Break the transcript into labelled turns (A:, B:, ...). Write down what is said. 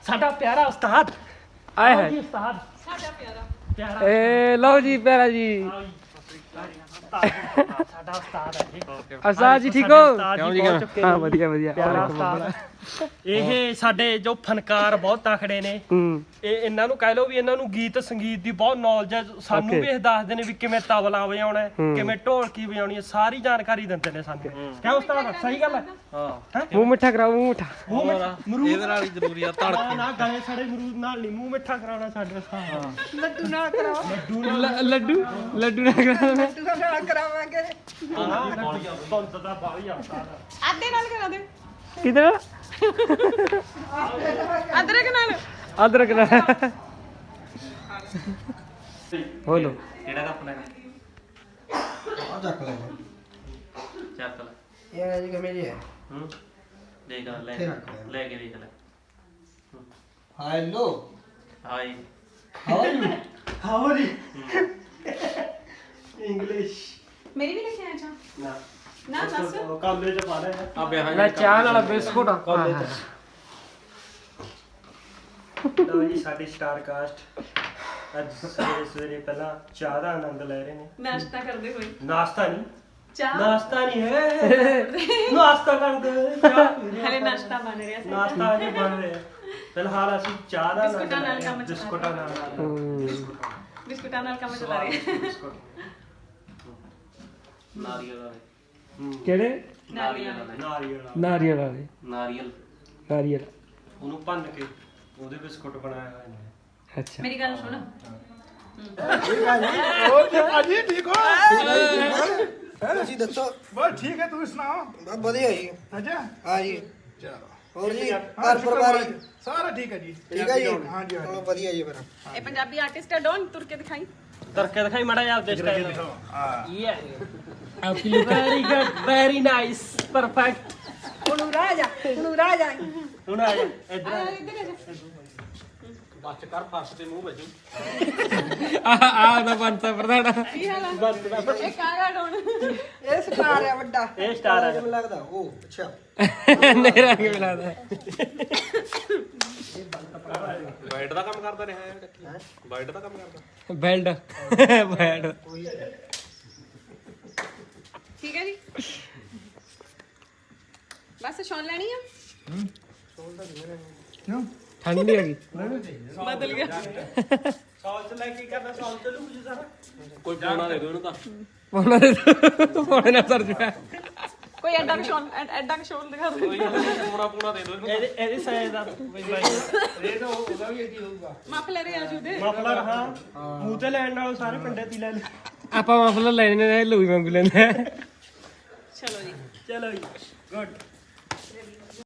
A: ਸਾਡਾ ਪਿਆਰਾ ਉਸਤਾਦ
B: ਆਏ ਹੈ
A: ਉਸਤਾਦ
C: ਸਾਡਾ ਪਿਆਰਾ
A: ਪਿਆਰਾ
B: ਏ ਲਓ ਜੀ ਪਿਆਰਾ ਜੀ
A: ਸਾਡਾ ਉਸਤਾਦ ਹੈ ਜੀ
B: ਉਸਤਾਦ ਜੀ ਠੀਕ ਹੋ
A: ਕਿਉਂ ਜੀ
B: ਹਾਂ ਵਧੀਆ ਵਧੀਆ
A: ਪਿਆਰਾ ਉਸਤਾਦ ਇਹ ਸਾਡੇ ਜੋ ਫਨਕਾਰ ਬਹੁਤ ਤਕੜੇ ਨੇ
B: ਹੂੰ
A: ਇਹ ਇਹਨਾਂ ਨੂੰ ਕਹਿ ਲਓ ਵੀ ਇਹਨਾਂ ਨੂੰ ਗੀਤ ਸੰਗੀਤ ਦੀ ਬਹੁਤ ਨੌਲੇਜ ਹੈ ਸਾਨੂੰ ਵੀ ਇਹ ਦੱਸਦੇ ਨੇ ਵੀ ਕਿਵੇਂ ਤਬਲਾ ਵਜਾਉਣਾ ਹੈ ਕਿਵੇਂ ਢੋਲਕੀ ਵਜਾਉਣੀ ਹੈ ਸਾਰੀ ਜਾਣਕਾਰੀ ਦਿੰਦੇ ਨੇ ਸਾਨੂੰ ਕਿਉਂ ਉਸਤਾਦ ਸਹੀ ਗੱਲ ਹੈ ਹਾਂ
B: ਮੂੰਹ ਮਿੱਠਾ ਕਰਾਓ ਮੂੰਹ ਮਿੱਠਾ
A: ਇਹਦੇ ਨਾਲ ਹੀ ਜ਼ਰੂਰੀ ਆ ਧੜਕੇ ਨਾ ਗਲੇ ਸੜੇ ਮਰੂਦ ਨਾਲ ਨਹੀਂ ਮੂੰਹ ਮਿੱਠਾ ਕਰਾਉਣਾ ਸਾਡੇ ਉਸਤਾਦ
C: ਲੱਡੂ ਨਾਲ ਕਰਾਓ
B: ਲੱਡੂ ਲੱਡੂ ਨਾ ਕਰਾਓ
C: ਲੱਡੂ ਨਾਲ ਕਰਾਵਾਂਗੇ
A: ਤੁੰਦ ਦਾ ਬਾਹਲੀ ਆਉਂਦਾ
C: ਆਦੇ ਨਾਲ ਕਰਾ ਦੇ
B: ਕਿਧਰ
C: ਅਦਰਕ ਨਾਲ
B: ਅਦਰਕ ਨਾ ਬੋਲੋ
D: ਕਿਹੜਾ ਕੱਪ ਲੈਣਾ
E: ਚੱਕ ਲੈ
D: ਚੱਕ ਲੈ
E: ਇਹ ਜੀ ਕਿਵੇਂ ਜੀ ਹੈ
D: ਹੂੰ ਦੇਖ ਲੈ
E: ਇੱਥੇ ਰੱਖ ਲੈ।
D: ਲੈ ਕੇ ਦੇਖ ਲੈ
E: hello
D: hi
E: how are you
A: how are you English
C: ਮੇਰੀ ਵੀ ਲਿਖਿਆ ਜਾ
A: ਨਾ
C: ਨਾ ਦੱਸ
A: ਕਾਲੇ ਚ ਪਾ ਲੈ
D: ਆ ਬਿਆਹ
B: ਲੈ ਚਾਹ ਨਾਲ ਬਿਸਕੁਟ
A: ਕਾਲੇ ਚ ਲਓ ਜੀ ਸਾਡੀ ਸਟਾਰ ਕਾਸਟ ਅੱਜ ਸਵੇਰੇ ਸਵੇਰੇ ਪਹਿਲਾਂ ਚਾਹ ਦਾ ਆਨੰਦ ਲੈ ਰਹੇ ਨੇ
C: ਨਾਸ਼ਤਾ ਕਰਦੇ ਹੋਏ
A: ਨਾਸ਼ਤਾ ਨਹੀਂ
C: ਚਾਹ
A: ਨਾਸ਼ਤਾ ਨਹੀਂ ਹੈ ਨਾਸ਼ਤਾ ਕਰਦੇ ਚਾਹ ਪੀ ਰਹੇ
C: ਹਲੇ
A: ਆਪਾਂ।
C: ਨਾਸ਼ਤਾ ਬਣ ਰਿਹਾ ਸੀ
A: ਨਾਸ਼ਤਾ ਨਹੀਂ ਬਣ ਰਿਹਾ ਫਿਲਹਾਲ ਅਸੀਂ ਚਾਹ ਦਾ
C: ਬਿਸਕੁਟਾਂ ਨਾਲ ਕੰਮ ਚਲਾ
A: ਬਿਸਕੁਟਾਂ ਨਾਲ
C: ਬਿਸਕੁਟਾਂ ਨਾਲ ਕੰਮ ਚਲਾ ਰਹੇ
A: ਬਿਸਕੁਟ
D: ਨਾਰੀਅਲ ਵਾਲੇ
B: ਕਿਹੜੇ
D: ਨਾਰੀਅਲ ਵਾਲੇ
A: ਨਾਰੀਅਲ ਵਾਲਾ।
B: ਨਾਰੀਅਲ ਵਾਲੇ
D: ਨਾਰੀਅਲ
B: ਨਾਰੀਅਲ
A: ਉਹਨੂੰ ਭੰਨ ਕੇ ਉਹਦੇ ਬਿਸਕੁਟ ਬਣਾਏ ਹੋਏ ਨੇ
B: ਅੱਛਾ
C: ਮੇਰੀ ਗੱਲ ਸੁਣ
E: ਤੁਸੀਂ ਦੱਸੋ
F: ਬਸ ਠੀਕ ਹੈ ਤੁਸੀਂ ਸੁਣਾਓ
E: ਬਸ ਵਧੀਆ ਜੀ
F: ਅੱਛਾ
E: ਹਾਂ ਜੀ
F: ਚਲੋ
E: ਹੋਰ ਜੀ
F: ਹਾਂ,
E: ਘਰ ਪਰਿਵਾਰ ਜੀ?
F: ਸਾਰਾ ਠੀਕ ਹੈ ਜੀ
E: ਠੀਕ ਹੈ ਜੀ
F: ਹਾਂ ਜੀ
E: ਚਲੋ ਵਧੀਆ ਜੀ ਫਿਰ
C: ਇਹ ਪੰਜਾਬੀ ਆਰਟਿਸਟ ਹੈ ਡੋਨ ਤੁਰ ਕੇ ਦਿਖਾਈ
A: ਤਰਕੇ ਦਿਖਾਈ ਮੜਾ ਜਾ ਆਪਦੇ ਸਟਾਈਲ
F: ਹਾਂ
A: ਆਪਕੀ look very good very nice perfect
C: ਹੁਣ ਰਾਜਾ ਹੁਣ ਰਾਜਾ
A: ਹੁਣ ਆ ਜਾ ਇੱਧਰ ਆ।
C: ਇੱਧਰ ਆ ਜਾ
D: ਬੱਚ ਕਰ ਫਰਸ਼ ਤੇ ਮੂੰਹ ਵੱਜੂ
B: ਆ ਦਾ ਪੰਤਾ ਪ੍ਰਧਾਨ
C: ਕੀ ਹਾਲ ਆ ਇਹ ਕਾਗਾ ਡੋਨ
E: ਇਹ ਸਟਾਰ ਹੈ ਵੱਡਾ
A: ਇਹ ਸਟਾਰ ਆ
E: ਕਿਵੇਂ ਲੱਗਦਾ ਉਹ ਅੱਛਾ
B: ਨੇਰਾ ਕਿਵੇਂ ਲੱਗਦਾ
D: ਵਾਈਟ ਦਾ ਕੰਮ ਕਰਦਾ ਰਿਹਾ ਹੈ ਵਾਈਟ ਦਾ ਕੰਮ ਕਰਦਾ
B: ਬੈਲਡ ਬੈਲਡ
C: ਠੀਕ ਹੈ ਜੀ ਬਸ ਛੋਣ ਲੈਣੀ ਆ
F: ਕਿਉਂ
B: ਠੰਡ ਨਹੀਂ ਹੈਗੀ
C: ਬਦਲ ਗਿਆ
A: ਸੌਲ ਚ ਲੈ ਕੇ ਕਰਨਾ ਸੌਲ ਚ ਲੂ ਜੀ ਸਾਰਾ
D: ਕੋਈ ਪੋਣਾ ਦੇ ਦੋ ਇਹਨੂੰ ਤਾਂ
B: ਪੌਣੇ ਨਾਲ ਸਰ ਜੁਆ
C: ਕੋਈ ਐਡਾ ਕਿ ਸ਼ੋਲ ਦਿਖਾ ਦੇ
D: ਪੋਣਾ ਦੇ ਦੋ ਇਹਨੂੰ
A: ਇਹਦੇ ਸਾਈਜ਼ ਦਾ ਬਈ ਬਾਈ
C: ਮਾਫ ਲੈ ਰਹੇ ਆਜੂ ਦੇ
A: ਮਫਲਰ ਹਾਂ ਮੂੰਹ ਤੇ ਲੈਣ ਨਾਲੋਂ ਸਾਰੇ ਪਿੰਡੇ ਤੇ ਲੈ ਲੈ
B: ਆਪਾਂ ਮਫਲਰ ਲੈਣੇ ਨੇ ਲੂਈ ਵਾਂਗੂ ਲੈਣੇ
C: ਚਲੋ ਜੀ
A: ਚਲੋ ਜੀ ਗੁੱਡ